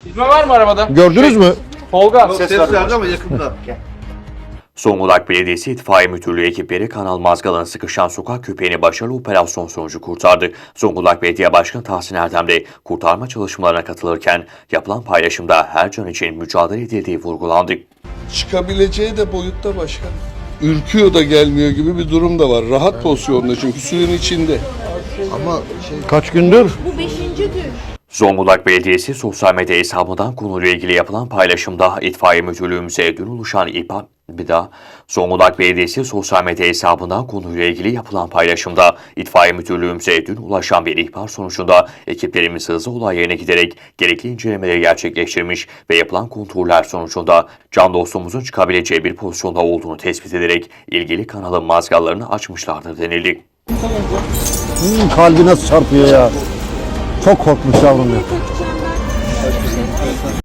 İzme var mı arabada? Gördünüz mü? Tolga. Ses verdi ama yakında. Zonguldak Belediyesi İtfaiye Müdürlüğü ekipleri Kanal Mazgal'ın sıkışan sokak köpeğini başarılı operasyon sonucu kurtardı. Zonguldak Belediye Başkanı Tahsin Erdem de kurtarma çalışmalarına katılırken yapılan paylaşımda her can için mücadele edildiği vurgulandı. Çıkabileceği de boyutta başkan. Ürküyor da gelmiyor gibi bir durum da var. Rahat pozisyonda çünkü suyun içinde. Ama Kaç gündür? Bu 5. gün. Zonguldak Belediyesi sosyal medya hesabından konuyla ilgili yapılan paylaşımda İtfaiye Müdürlüğümüze dün ulaşan Zonguldak Belediyesi sosyal medya hesabından konuyla ilgili yapılan paylaşımda İtfaiye Müdürlüğümüze dün ulaşan bir ihbar sonucunda ekiplerimiz hızlı olay yerine giderek gerekli incelemeleri gerçekleştirmiş ve yapılan kontroller sonucunda can dostumuzun çıkabileceği bir pozisyonda olduğunu tespit ederek ilgili kanalın mazgallarını açmışlardır denildi. Kalbi nasıl çarpıyor ya? Çok korkmuş yavrum ya. Takacağım ben.